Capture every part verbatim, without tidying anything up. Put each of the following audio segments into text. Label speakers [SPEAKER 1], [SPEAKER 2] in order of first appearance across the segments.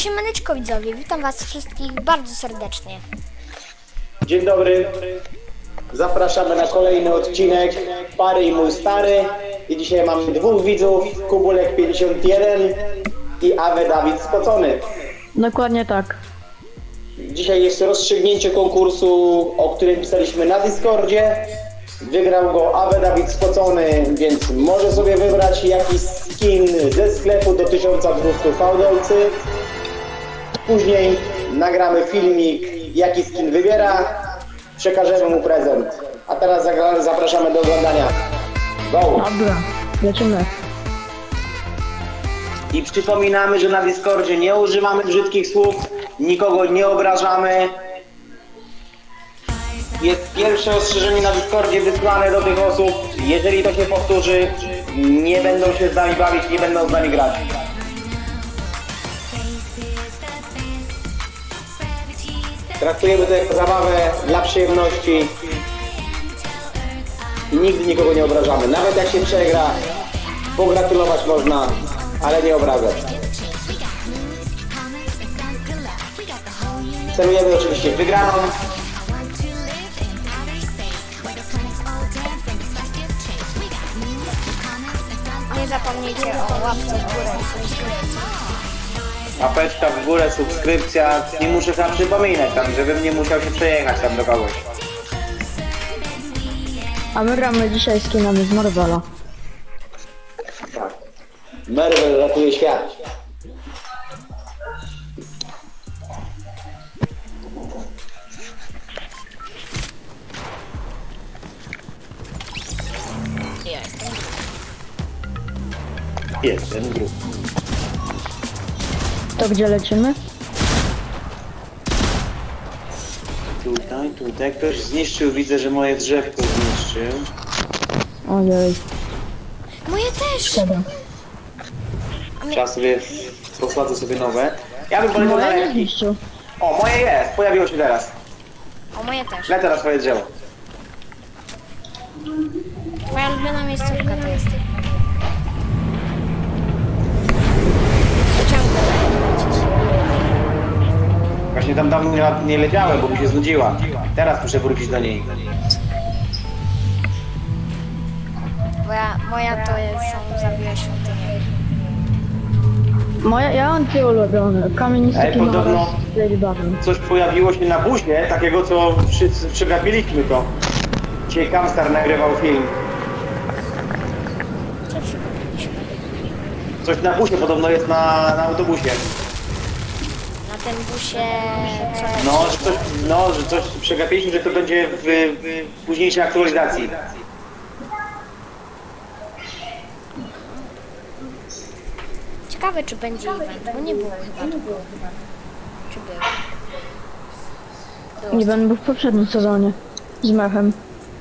[SPEAKER 1] Siemaneczko widzowie, witam was wszystkich bardzo serdecznie.
[SPEAKER 2] Dzień dobry, zapraszamy na kolejny odcinek Pary i mój stary. I dzisiaj mamy dwóch widzów, Kubulek pięćdziesiąt jeden i Awe Dawid Spocony.
[SPEAKER 3] Dokładnie tak.
[SPEAKER 2] Dzisiaj jest rozstrzygnięcie konkursu, o którym pisaliśmy na Discordzie. Wygrał go Awe Dawid Spocony, więc może sobie wybrać jakiś skin ze sklepu do tysiąc dwieście fałdolcy. Później nagramy filmik, jaki skin wybiera, przekażemy mu prezent. A teraz zapraszamy do oglądania. Go!
[SPEAKER 3] Dobra, lecimy.
[SPEAKER 2] I przypominamy, że na Discordzie nie używamy brzydkich słów, nikogo nie obrażamy. Jest pierwsze ostrzeżenie na Discordzie wysłane do tych osób. Jeżeli to się powtórzy, nie będą się z nami bawić, nie będą z nami grać. Traktujemy to jako zabawę dla przyjemności i nigdy nikogo nie obrażamy. Nawet jak się przegra, pogratulować można, ale nie obrażać. Celujemy oczywiście w wygraną.
[SPEAKER 1] Nie zapomnijcie o łapce w górę i subskrypcji.
[SPEAKER 2] Łapeczka w górę, subskrypcja. Nie muszę tam przypominać, tam, żebym nie musiał się przejechać tam do kogoś.
[SPEAKER 3] A my gramy dzisiaj skinami z Marvela.
[SPEAKER 2] Tak. Marvel ratuje świat. Jestem grup.
[SPEAKER 3] To gdzie lecimy?
[SPEAKER 2] Tutaj, tutaj. Ktoś zniszczył, widzę, że moje drzewko zniszczył.
[SPEAKER 3] Ojej.
[SPEAKER 1] Moje też!
[SPEAKER 3] Szkoda.
[SPEAKER 2] Trzeba sobie, posadzę sobie nowe. Ja bym poleciał na
[SPEAKER 3] Moje nie
[SPEAKER 2] lekki.
[SPEAKER 3] zniszczył.
[SPEAKER 2] O, moje jest, pojawiło się teraz.
[SPEAKER 1] O, moje też.
[SPEAKER 2] Lecę na swoje drzewo.
[SPEAKER 1] Moja ulubiona miejscówka to jest. Ciągle lecisz.
[SPEAKER 2] Właśnie tam dawno nie, nie leciałem, bo mi się znudziła. Teraz muszę wrócić do niej.
[SPEAKER 1] Moja, moja to jest, są zabiłe świątynie.
[SPEAKER 3] Moja, ja mam dwie ulubione. Kamienisty
[SPEAKER 2] Ej,
[SPEAKER 3] kino
[SPEAKER 2] podobno-
[SPEAKER 3] oraz Lady Baron.
[SPEAKER 2] Coś pojawiło się na busie, takiego co wszyscy przegapiliśmy to. Dzisiaj Kamstar nagrywał film.
[SPEAKER 1] Co przykupiliśmy?
[SPEAKER 2] Coś na busie podobno jest na, na autobusie.
[SPEAKER 1] Na tym busie... Co
[SPEAKER 2] No, że coś, no, że coś przegapiliśmy, że to będzie w, w późniejszej aktualizacji.
[SPEAKER 1] Ciekawe czy będzie event, bo nie było chyba tu. Czy był? Było.
[SPEAKER 3] Nie będę był w poprzednim sezonie. Z mechem.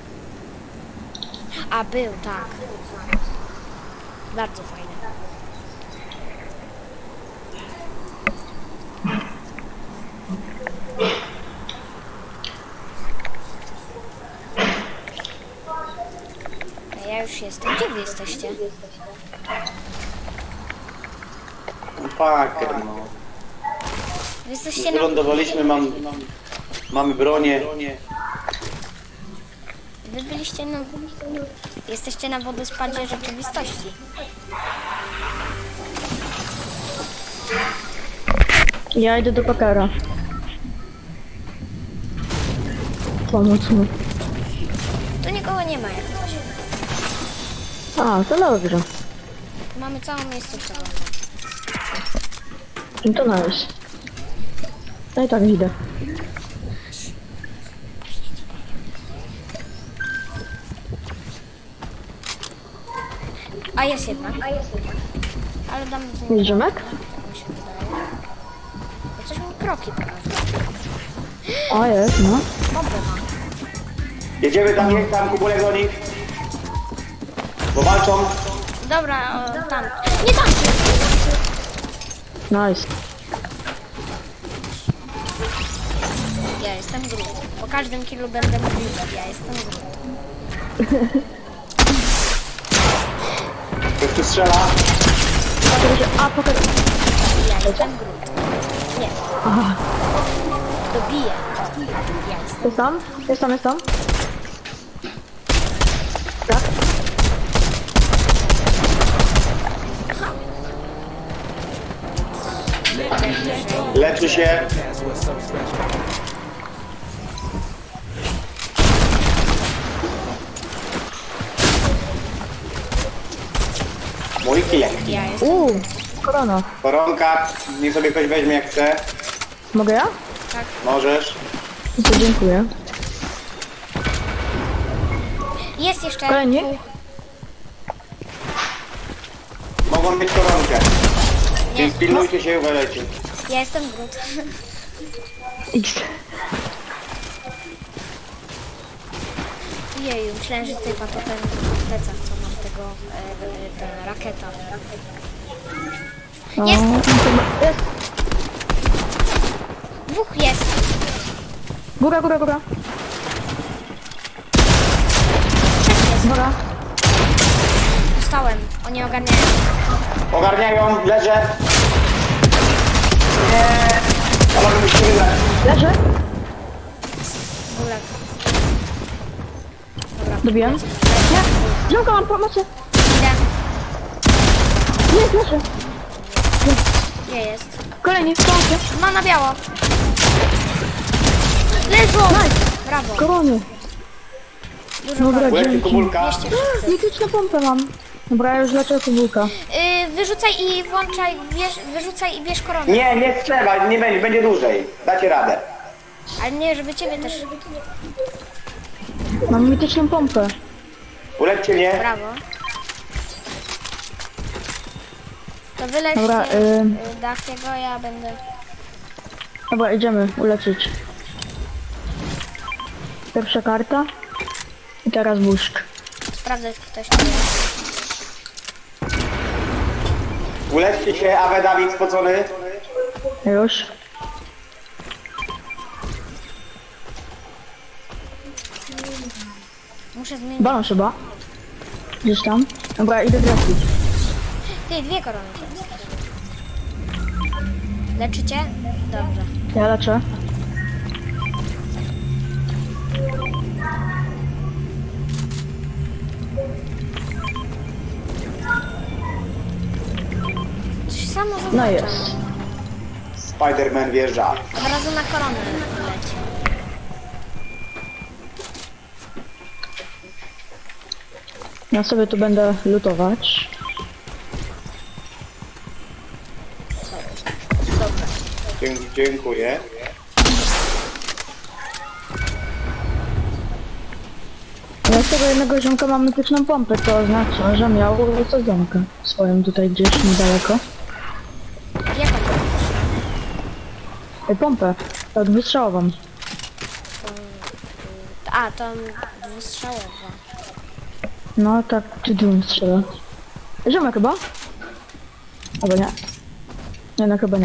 [SPEAKER 1] A, był, tak. Bardzo fajne. A ja już jestem. Gdzie wy jesteście?
[SPEAKER 2] Paker, no.
[SPEAKER 1] Wy jesteście na...
[SPEAKER 2] Wylądowaliśmy, mam, mamy bronię.
[SPEAKER 1] Wy byliście na... Jesteście na wodospadzie rzeczywistości.
[SPEAKER 3] Ja idę do Pakera. Pomóc mu.
[SPEAKER 1] Tu nikogo nie ma jak coś.
[SPEAKER 3] A, to dobrze.
[SPEAKER 1] Tu mamy całą miejscówkę.
[SPEAKER 3] No to nice. No i tak idę.
[SPEAKER 1] A jest jednak. Ale dam z nim...
[SPEAKER 3] Jest Rzymek?
[SPEAKER 1] Tak mi się wydaje. Bo coś mi kroki pokazuje.
[SPEAKER 3] O, jest, no.
[SPEAKER 1] Bombę ma.
[SPEAKER 2] Jedziemy tam, jest tam, Kubulek do nich. Bo walczą.
[SPEAKER 1] Dobra, o, tam. Nie tam!
[SPEAKER 3] Nice.
[SPEAKER 1] Ja jestem Groot. Po każdym killu będę mówił, ja jestem Groot.
[SPEAKER 2] Ktoś tu strzela.
[SPEAKER 3] A, pokaż.
[SPEAKER 1] Ja jestem Groot. Nie,
[SPEAKER 3] Aha,
[SPEAKER 1] dobiję. Ja jestem.
[SPEAKER 3] jest tam? Jest tam, jest tam? Tak?
[SPEAKER 2] Leczy się. Mój kilek.
[SPEAKER 1] Ja jestem.
[SPEAKER 3] Uuu, korona.
[SPEAKER 2] Koronka, niech sobie ktoś weźmie jak chce.
[SPEAKER 3] Mogę ja?
[SPEAKER 1] Tak.
[SPEAKER 2] Możesz.
[SPEAKER 3] To dziękuję.
[SPEAKER 1] Jest jeszcze.
[SPEAKER 3] Kolejny?
[SPEAKER 1] dwóch.
[SPEAKER 2] Mogą mieć koronkę.
[SPEAKER 1] Nie,
[SPEAKER 2] Więc pilnujcie się i uważajcie.
[SPEAKER 1] ja jestem brud.
[SPEAKER 3] X.
[SPEAKER 1] Jeju, myślałem, że tutaj pato ten plecak, co mam tego, e, e, ten rakieta.
[SPEAKER 3] O,
[SPEAKER 1] Jest!
[SPEAKER 3] Jest!
[SPEAKER 1] Dwóch jest.
[SPEAKER 3] Góra, góra, góra.
[SPEAKER 1] Trzech jest.
[SPEAKER 3] Góra.
[SPEAKER 1] Dostałem. Oni ogarniają.
[SPEAKER 2] Ogarniają, leżę. Nie. Ale musimy wygrać.
[SPEAKER 3] Leży.
[SPEAKER 1] Gulek. Dobra.
[SPEAKER 3] Dobiłem. Nie. Ziomka, mam pomocy.
[SPEAKER 1] Idę.
[SPEAKER 3] Jest, leży.
[SPEAKER 1] Gdzie jest?
[SPEAKER 3] Kolejny, pomocy.
[SPEAKER 1] Ma na biało. Leżą! Brawo.
[SPEAKER 3] Korony.
[SPEAKER 1] Dużo
[SPEAKER 3] Dobra,
[SPEAKER 1] koron.
[SPEAKER 2] Łeb i
[SPEAKER 3] dzięki.
[SPEAKER 2] kubulka.
[SPEAKER 1] Bierzcie wszyscy.
[SPEAKER 3] Mityczną pompę mam. Dobra, ja już leczę kubulka.
[SPEAKER 1] Yy, wyrzucaj i włączaj, bierz, wyrzucaj i bierz koronę.
[SPEAKER 2] Nie, nie trzeba, nie będzie, będzie dłużej. Dacie radę.
[SPEAKER 1] Ale nie, żeby ciebie też.
[SPEAKER 3] Mam mityczną pompę.
[SPEAKER 2] Uleczcie mnie.
[SPEAKER 1] Brawo. To wylećcie
[SPEAKER 3] Dobra,
[SPEAKER 1] y...
[SPEAKER 3] y-
[SPEAKER 1] Dachiego, ja będę...
[SPEAKER 3] Dobra, idziemy uleczyć. Pierwsza karta. I teraz buszk.
[SPEAKER 1] sprawdzać, czy ktoś tu jest.
[SPEAKER 2] Uleczcie się, Awe Dawid spocony.
[SPEAKER 3] Już.
[SPEAKER 1] Muszę zmienić.
[SPEAKER 3] Balon chyba. Gdzieś tam. Dobra, idę trafić.
[SPEAKER 1] Ty, dwie korony to jest. Leczycie? Dobrze.
[SPEAKER 3] Ja leczę.
[SPEAKER 1] Coś samo zaznaczam.
[SPEAKER 3] No jest.
[SPEAKER 2] Spider-Man wjeżdża.
[SPEAKER 1] Od razu na koronę leci.
[SPEAKER 3] Ja sobie tu będę lutować.
[SPEAKER 1] Dobra.
[SPEAKER 2] Dzie- dziękuję.
[SPEAKER 3] Ja z tego jednego ziomka mam mityczną pompę, to oznacza, że miał sadzonkę swoją tutaj gdzieś niedaleko.
[SPEAKER 1] Jaką to
[SPEAKER 3] Ej, pompę, tak wystrzałową.
[SPEAKER 1] A, to dwustrzałowa.
[SPEAKER 3] No tak, czy dum strzela. Ziomek chyba? Albo nie. Nie, no chyba nie.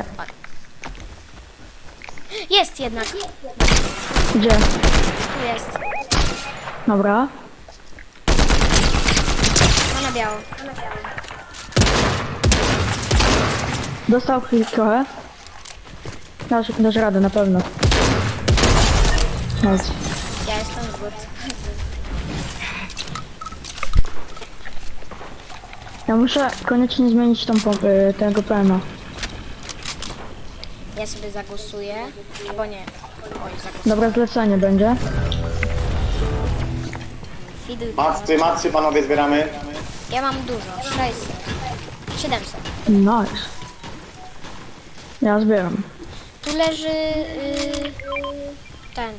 [SPEAKER 1] Jest jednak.
[SPEAKER 3] Gdzie?
[SPEAKER 1] Tu jest.
[SPEAKER 3] Dobra.
[SPEAKER 1] Ma na biało.
[SPEAKER 3] Dostał chwilę trochę. Dasz, dasz radę na pewno. Chodź.
[SPEAKER 1] Ja jestem good.
[SPEAKER 3] Ja muszę koniecznie zmienić tą pompę, tego P M a.
[SPEAKER 1] Ja sobie zagłosuję. Albo nie. Oj, zagłosuję.
[SPEAKER 3] Dobra, zlecenie będzie.
[SPEAKER 1] Fiduj.
[SPEAKER 2] Macy, macy panowie zbieramy.
[SPEAKER 1] Ja mam dużo. sześćset. siedemset.
[SPEAKER 3] Nice. Ja zbieram.
[SPEAKER 1] Tu leży yy, ten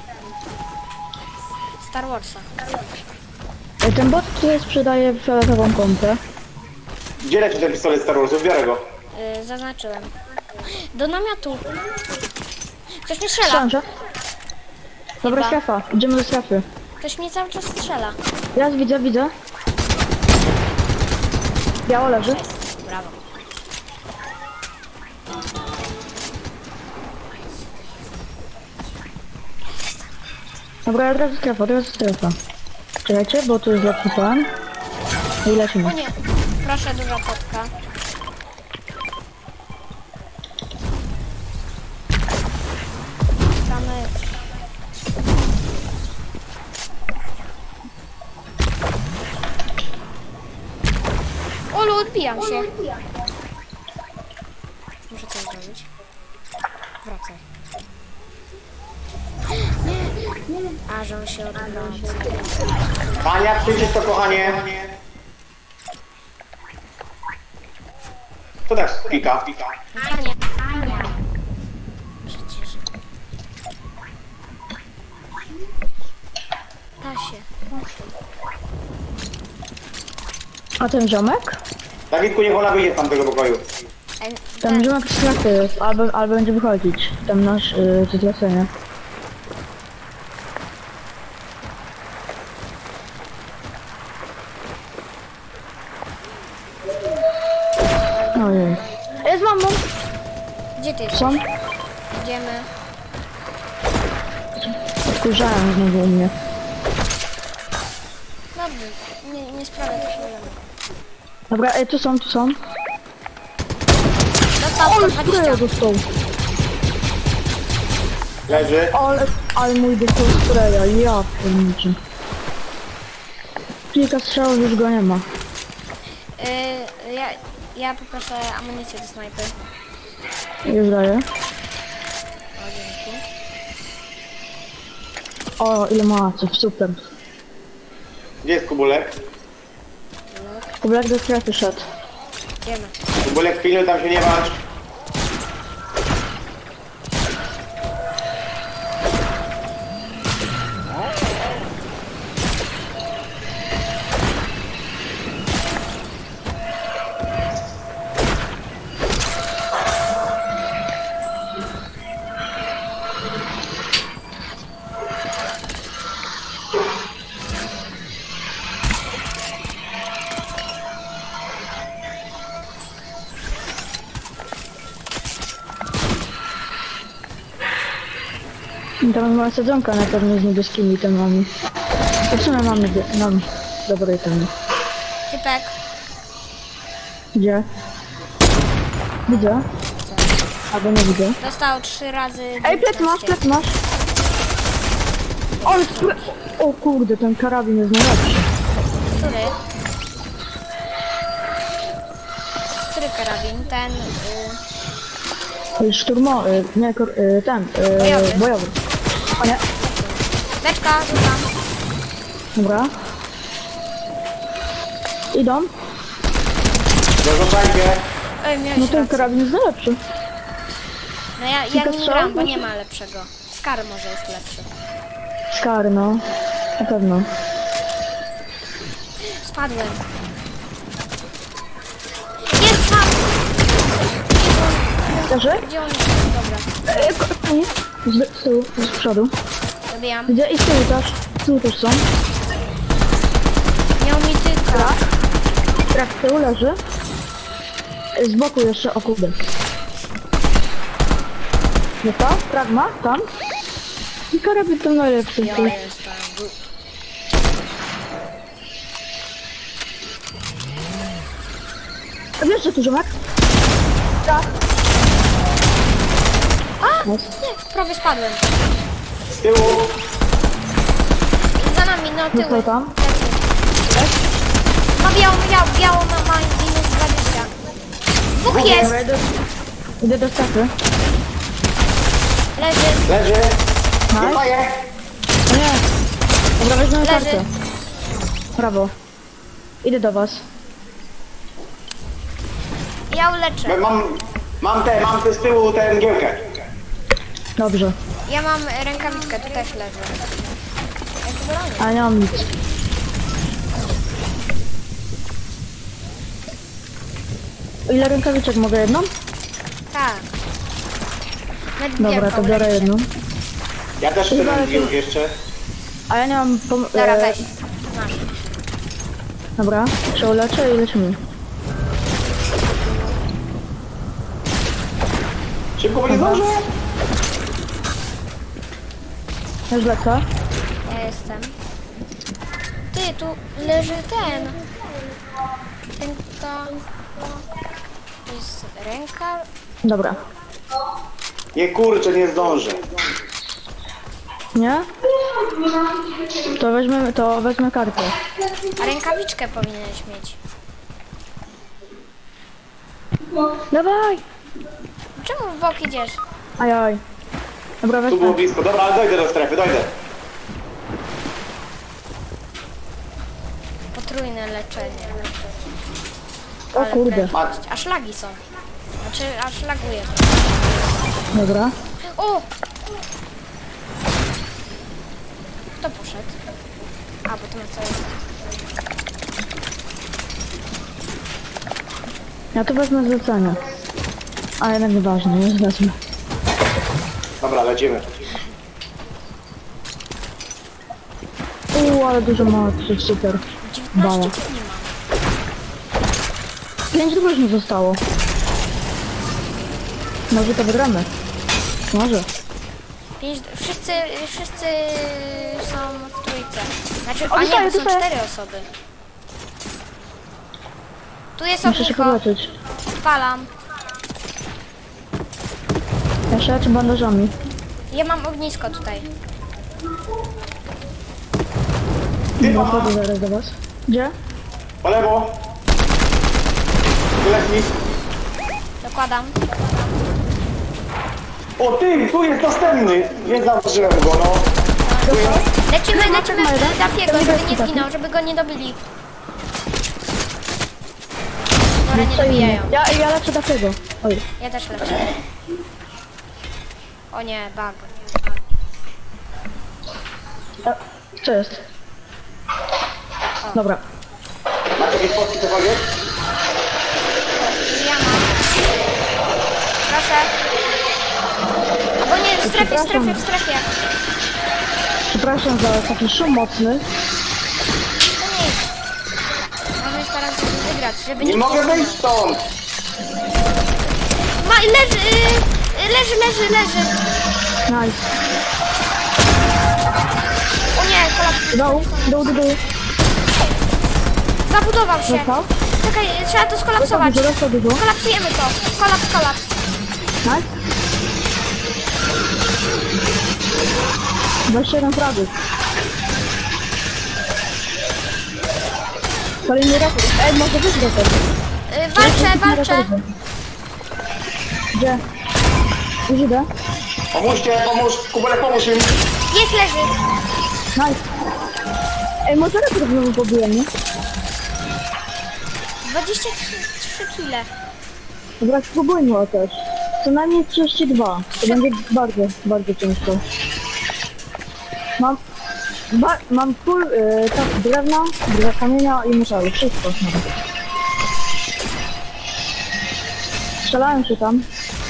[SPEAKER 1] Star Warsa.
[SPEAKER 3] Ej, ten bot, który sprzedaje fioletową pompę.
[SPEAKER 2] Gdzie leci ten pistolet Star Warsów? Biorę go.
[SPEAKER 1] Yy, zaznaczyłem. Do namiotu. Ktoś mnie strzela.
[SPEAKER 3] Książę. Dobra,
[SPEAKER 1] Chyba.
[SPEAKER 3] strefa. Idziemy do strefy.
[SPEAKER 1] Ktoś mnie cały czas strzela.
[SPEAKER 3] Ja widzę, widzę. Biało leży.
[SPEAKER 1] Brawo.
[SPEAKER 3] Dobra, od razu strefa, od razu strefa. Czekajcie, bo tu jest lepszy plan. I lecimy.
[SPEAKER 1] O nie. Proszę, duża potka. Wybijam się. Muszę coś zrobić. Wracaj. Nie, nie. A, że on się odwraca.
[SPEAKER 2] Ania, przyjdziesz to, kochanie. To tak pika.
[SPEAKER 1] Ania, Ania. Przecież. Da się.
[SPEAKER 3] A ten ziomek?
[SPEAKER 2] Dawidku, niech ona wyjdzie z tamtego pokoju.
[SPEAKER 1] Ej,
[SPEAKER 3] Ten
[SPEAKER 1] ten-
[SPEAKER 3] ziomek z klasy jest, albo, albo będzie wychodzić. Tam nasz yy, to zlecenie. Ojej. Jest mamą!
[SPEAKER 1] Gdzie ty jesteś?
[SPEAKER 3] Są?
[SPEAKER 1] Idziemy.
[SPEAKER 3] Wkurzają znowu u mnie.
[SPEAKER 1] Dobrze, nie, nie sprawia to problemu.
[SPEAKER 3] Dobra, ej, tu są, tu są.
[SPEAKER 1] Dostał
[SPEAKER 3] Ale
[SPEAKER 1] sto
[SPEAKER 3] spraya
[SPEAKER 1] dwadzieścia.
[SPEAKER 3] dostał.
[SPEAKER 2] Leży.
[SPEAKER 3] Ale, ale mój dostał spraya, ja pierniczę. Kilka strzałów już go nie ma.
[SPEAKER 1] Yy, ja, ja poproszę amunicję do snajpy.
[SPEAKER 3] Już daję.
[SPEAKER 1] O, dzięki.
[SPEAKER 3] O, ile maców, super.
[SPEAKER 2] Gdzie jest Kubulek?
[SPEAKER 3] Kublek do strefy szedł.
[SPEAKER 1] Idziemy.
[SPEAKER 2] Kubulek, pilnuj, tam się nie walcz.
[SPEAKER 3] I tam ma sadzonka na pewno z niebieskimi temami. To w sumie mam, niebie- mam dobre temy.
[SPEAKER 1] Typek.
[SPEAKER 3] Gdzie? Widzę. Albo nie widzę.
[SPEAKER 1] Dostał trzy razy.
[SPEAKER 3] Ej, plec masz, plec masz! Ale spre... O kurde, ten karabin jest najlepszy.
[SPEAKER 1] Który? Który karabin? Ten. Yy,
[SPEAKER 3] Y, Szturmowy, nie, kor- y, ten, y,
[SPEAKER 1] Bojowy.
[SPEAKER 3] bojowy. O nie,
[SPEAKER 1] beczka, rzucam.
[SPEAKER 3] dobra. Idą.
[SPEAKER 2] Zarzucajcie.
[SPEAKER 1] Ej, miałeś
[SPEAKER 3] No ten
[SPEAKER 1] rację.
[SPEAKER 3] karabin jest najlepszy.
[SPEAKER 1] No ja, ja
[SPEAKER 3] kilka
[SPEAKER 1] nim
[SPEAKER 3] strzałów
[SPEAKER 1] gram, bo nie
[SPEAKER 3] muszę-
[SPEAKER 1] ma lepszego. Skar może jest lepszy.
[SPEAKER 3] Skar, no. Na pewno.
[SPEAKER 1] Spadłem. Jest tam!
[SPEAKER 3] Leży?
[SPEAKER 1] Gdzie on jest? Dobra.
[SPEAKER 3] Ej, ko- nie. Z, z tyłu, z przodu.
[SPEAKER 1] Zabijam.
[SPEAKER 3] Gdzie? I z tyłu też. Z tyłu też są.
[SPEAKER 1] Miał mi tyka.
[SPEAKER 3] Trak z tyłu leży. Z boku jeszcze, o kurde. Nie to? Pragma? Tam? I karabin to najlepszy.
[SPEAKER 1] Ja jestem.
[SPEAKER 3] A wiesz, że tu ziomek? Tak.
[SPEAKER 1] A!
[SPEAKER 3] Nice.
[SPEAKER 1] Nie, prawie spadłem.
[SPEAKER 2] Z tyłu.
[SPEAKER 1] Za nami, no tyły.
[SPEAKER 3] Został tam?
[SPEAKER 1] Ma białą, białą, białą ma ma minus dwadzieścia. Dwóch jest!
[SPEAKER 3] Dobra, idę, idę do strefy.
[SPEAKER 1] Leży.
[SPEAKER 2] Leży.
[SPEAKER 3] Nice.
[SPEAKER 2] Dostaję.
[SPEAKER 3] O nie. Dobra, weźmiemy
[SPEAKER 1] Leży.
[SPEAKER 3] kartę. Brawo. Idę do was.
[SPEAKER 1] Ja uleczę.
[SPEAKER 2] Mam, mam te, mam te z tyłu tę mgiełkę.
[SPEAKER 3] Dobrze.
[SPEAKER 1] Ja mam rękawiczkę, tu też leży. Ja to bronię.
[SPEAKER 3] A nie mam nic. Ile rękawiczek mogę? Jedną?
[SPEAKER 1] Tak. Nawet
[SPEAKER 3] Dobra,
[SPEAKER 1] wielką
[SPEAKER 3] to biorę
[SPEAKER 1] uleczę.
[SPEAKER 3] jedną.
[SPEAKER 2] Ja też chcę
[SPEAKER 3] Chyba
[SPEAKER 2] ten
[SPEAKER 3] lepiej.
[SPEAKER 2] mgiełk jeszcze.
[SPEAKER 3] A ja nie mam pom-
[SPEAKER 1] Dobra,
[SPEAKER 3] e,
[SPEAKER 1] weź. Masz.
[SPEAKER 3] Dobra, się uleczę i lecimy.
[SPEAKER 2] Szybko, bo nie
[SPEAKER 3] Dobra.
[SPEAKER 2] zdążę.
[SPEAKER 3] Już lecę.
[SPEAKER 1] Ja jestem. Ty, tu leży ten. Ten to... To jest ręka.
[SPEAKER 3] Dobra.
[SPEAKER 2] Nie kurczę, nie zdążę.
[SPEAKER 3] Nie? To weźmiemy, to wezmę kartę.
[SPEAKER 1] A rękawiczkę powinieneś mieć.
[SPEAKER 3] Dawaj!
[SPEAKER 1] Czemu w bok idziesz?
[SPEAKER 3] Ajaj. Dobra,
[SPEAKER 2] Tu było
[SPEAKER 3] weźmy.
[SPEAKER 2] blisko. Dobra, ale dojdę do strefy, dojdę.
[SPEAKER 1] Potrójne leczenie.
[SPEAKER 3] O
[SPEAKER 1] Ale
[SPEAKER 3] kurde.
[SPEAKER 1] prędkość. Aż lagi są. Znaczy, aż laguje.
[SPEAKER 3] Dobra.
[SPEAKER 1] O! Kto poszedł? A, bo to na co jest.
[SPEAKER 3] Ja to wezmę zlecenie. A jednak nieważne, już wezmę.
[SPEAKER 2] Dobra, lecimy.
[SPEAKER 3] Uuu, ale dużo mocy, super. Bala.
[SPEAKER 1] dziewiętnaście kili mam.
[SPEAKER 3] Pięć drużyn zostało. Może to wygramy. Może.
[SPEAKER 1] Pięć, wszyscy, wszyscy są w trójce. Znaczy,
[SPEAKER 3] O,
[SPEAKER 1] a
[SPEAKER 3] dostaję,
[SPEAKER 1] nie, są
[SPEAKER 3] dostaję.
[SPEAKER 1] cztery osoby. Tu jest
[SPEAKER 3] Muszę się
[SPEAKER 1] ognisko.
[SPEAKER 3] podleczyć.
[SPEAKER 1] Odpalam.
[SPEAKER 3] Ja się leczę bandażami.
[SPEAKER 1] Ja mam ognisko tutaj.
[SPEAKER 2] Ty,
[SPEAKER 3] No,
[SPEAKER 2] mama.
[SPEAKER 3] chodzę zaraz do was. Gdzie?
[SPEAKER 2] Po lewo. Wylecz.
[SPEAKER 1] Dokładam.
[SPEAKER 2] O ty, tu jest następny. Nie zauważyłem go, no. Tu jest.
[SPEAKER 1] Lecimy, lecimy
[SPEAKER 3] ma jeden.
[SPEAKER 1] w Dafiego,
[SPEAKER 3] Ten
[SPEAKER 1] żeby
[SPEAKER 3] niebieski
[SPEAKER 1] nie
[SPEAKER 3] taki.
[SPEAKER 1] zginął, żeby go nie dobili. Dobra, nie
[SPEAKER 3] Co inny?
[SPEAKER 1] dobijają.
[SPEAKER 3] Ja, ja leczę takiego. Oj.
[SPEAKER 1] Ja też lecę. O nie, bug.
[SPEAKER 3] A, co jest? Dobra.
[SPEAKER 2] Macie jakieś fotki cokolwiek?
[SPEAKER 1] Ja mam. Proszę. Albo nie, w strefie, w strefie, w strefie.
[SPEAKER 3] Przepraszam za taki szum mocny.
[SPEAKER 1] To nic. Możemy starać się wygrać, żeby
[SPEAKER 2] Nie
[SPEAKER 1] nikt
[SPEAKER 2] mogę
[SPEAKER 1] zginął.
[SPEAKER 2] wyjść stąd.
[SPEAKER 1] Ma, leży, yy, leży, leży, leży.
[SPEAKER 3] Nice.
[SPEAKER 1] O nie, kolaps.
[SPEAKER 3] Dół, dół, dół, dół.
[SPEAKER 1] Zabudował się.
[SPEAKER 3] Dostał?
[SPEAKER 1] Czekaj, trzeba to
[SPEAKER 3] Dostał
[SPEAKER 1] skolapsować.
[SPEAKER 3] dużo, dostał dużo.
[SPEAKER 1] Kolapsujemy to. Kolaps, kolaps.
[SPEAKER 3] Nice. dwadzieścia jeden fragów. Kolejny rekord. Ej, może być rekord.
[SPEAKER 1] Yy, walczę, walczę.
[SPEAKER 3] Gdzie? Już idę.
[SPEAKER 2] Pomóżcie, pomóż. Kubelek, pomóż im.
[SPEAKER 1] Jest, leży.
[SPEAKER 3] Nice. Ej, może rekord znowu pobiłem, nie?
[SPEAKER 1] dwadzieścia trzy kile.
[SPEAKER 3] Dobra, spróbujmy o też. Co najmniej trzydzieści dwa. To będzie bardzo, bardzo ciężko. Mam... Ba mam full y, tak, drewna, drewna kamienia i metalu. Wszystko mam. Strzelają się tam.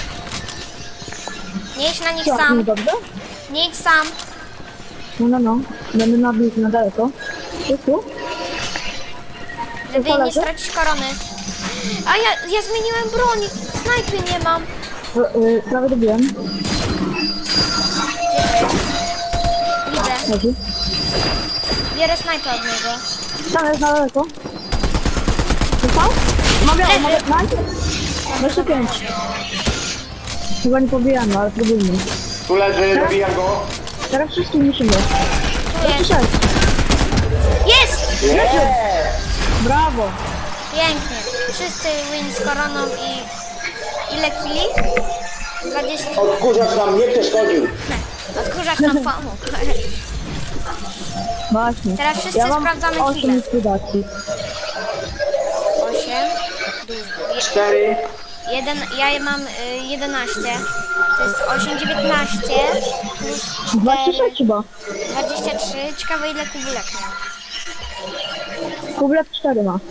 [SPEAKER 1] Nie idź na nich
[SPEAKER 3] Co, nie
[SPEAKER 1] sam.
[SPEAKER 3] dobrze?
[SPEAKER 1] Nie idź sam.
[SPEAKER 3] No, no, no. Będę nabił na daleko. Jest tu?
[SPEAKER 1] Żeby nie
[SPEAKER 3] Polecę?
[SPEAKER 1] stracić korony. A ja, ja zmieniłem broń. Snajpy nie mam.
[SPEAKER 3] Y, y, prawie dobiłem.
[SPEAKER 1] Widzę.
[SPEAKER 3] Chodzi.
[SPEAKER 1] Bierę snajpę od niego.
[SPEAKER 3] Tam jest na daleko. Dostał? Mogę,
[SPEAKER 1] Leży.
[SPEAKER 3] mogę, nice. dwadzieścia pięć. Chyba nie pobijamy, ale próbujmy.
[SPEAKER 2] Tu leży, dobijam go.
[SPEAKER 3] Teraz wszyscy musimy.
[SPEAKER 1] Tu
[SPEAKER 3] dwadzieścia
[SPEAKER 1] jest.
[SPEAKER 3] sześć.
[SPEAKER 1] Jest!
[SPEAKER 2] Yeah.
[SPEAKER 3] Brawo.
[SPEAKER 1] Pięknie. Wszyscy win z koroną i... Ile kili? dwadzieścia.
[SPEAKER 2] Odkurzacz nam nie przeszkodził.
[SPEAKER 1] Odkurzacz nam pomógł.
[SPEAKER 3] Właśnie.
[SPEAKER 1] Teraz wszyscy
[SPEAKER 3] ja mam
[SPEAKER 1] sprawdzamy
[SPEAKER 3] osiem
[SPEAKER 1] chwilę.
[SPEAKER 3] likwidacji.
[SPEAKER 1] osiem. Dużo.
[SPEAKER 2] Cztery.
[SPEAKER 1] Jeden, ja mam y, jedenaście. To jest osiem, dziewiętnaście plus
[SPEAKER 3] dwadzieścia
[SPEAKER 1] cztery,
[SPEAKER 3] sześć chyba.
[SPEAKER 1] dwadzieścia trzy. Ciekawe ile kubulek miał.
[SPEAKER 3] Kublet cztery ma.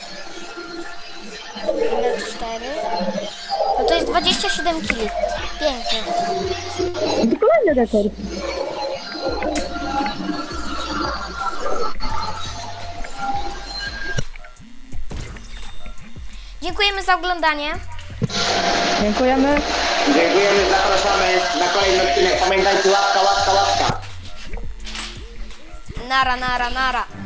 [SPEAKER 1] Ile cztery? No to jest dwadzieścia siedem kili. Pięknie.
[SPEAKER 3] I to kolejny rekord.
[SPEAKER 1] Dziękujemy za oglądanie.
[SPEAKER 3] Dziękujemy.
[SPEAKER 2] Dziękujemy, zapraszamy na kolejny odcinek. Pamiętajcie, łapka, łapka, łapka.
[SPEAKER 1] Nara, nara, nara.